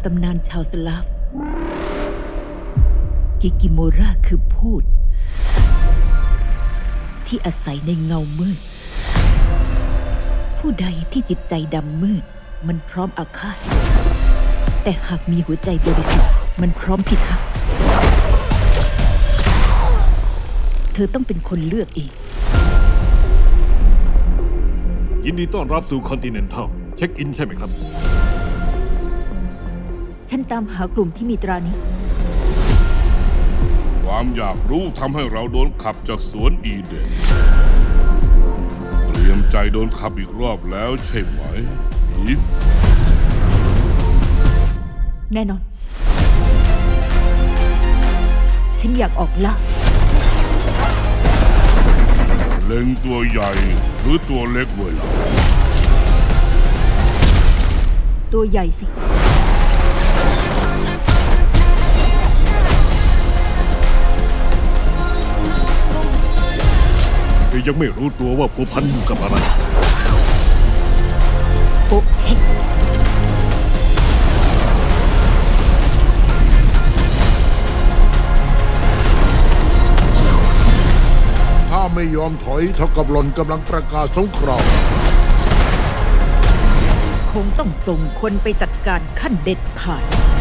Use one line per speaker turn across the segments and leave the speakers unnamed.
ตำนานชาวสลาฟกิกิโมราคือพูดที่อาศัยในเงามืดผู้ใดที่จิตใจดำมืดมันพร้อมอาฆาตแต่หากมีหัวใจบริสุทธิ์มันพร้อมพิทักษ์เธอต้องเป็นคนเลือกเอง
ยินดีต้อนรับสู่คอนติเนนทัลเช็คอินใช่ไหมครับ
ฉันตามหากลุ่มที่มีตรานี้
ความอยากรู้ทำให้เราโดนขับจากสวนอีเดนเตรียมใจโดนขับอีกรอบแล้วใช่ไหมอีฟ
แน่นอนฉันอยากออกล่า
เล็งตัวใหญ่หรือตัวเล็กเวลา
ตัวใหญ่สิ
ยังไม่รู้ตัวว่าผัวพันอยู่กับอะไร
โป๊ะเช็ค
ถ้าไม่ยอมถอยเท่ากับหล่อนกำลังประกาศสงคราม
คงต้องส่งคนไปจัดการขั้นเด็ดขาด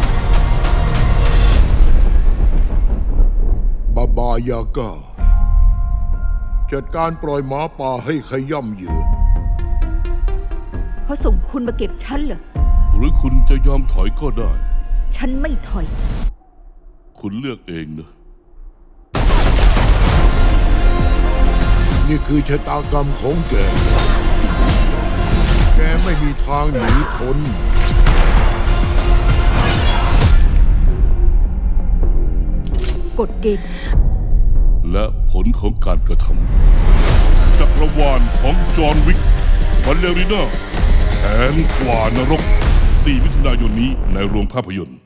บาบายาก้าจัดการปล่อยหมาป่าให้ขย่ำยืน
เขาส่งคุณมาเก็บฉันเหรอ
หรือคุณจะยอมถอยก็ได้
ฉันไม่ถอย
คุณเลือกเองนะ
นี่คือชะตากรรมของแกแกไม่มีทางหนีพ้น
กฎเกณฑ์
และผลของการกระทำจักรวาลของจอห์นวิกบัลเลริน่าแขนกว่านรก4 มิถุนายนนี้ในโรงภาพยนตร์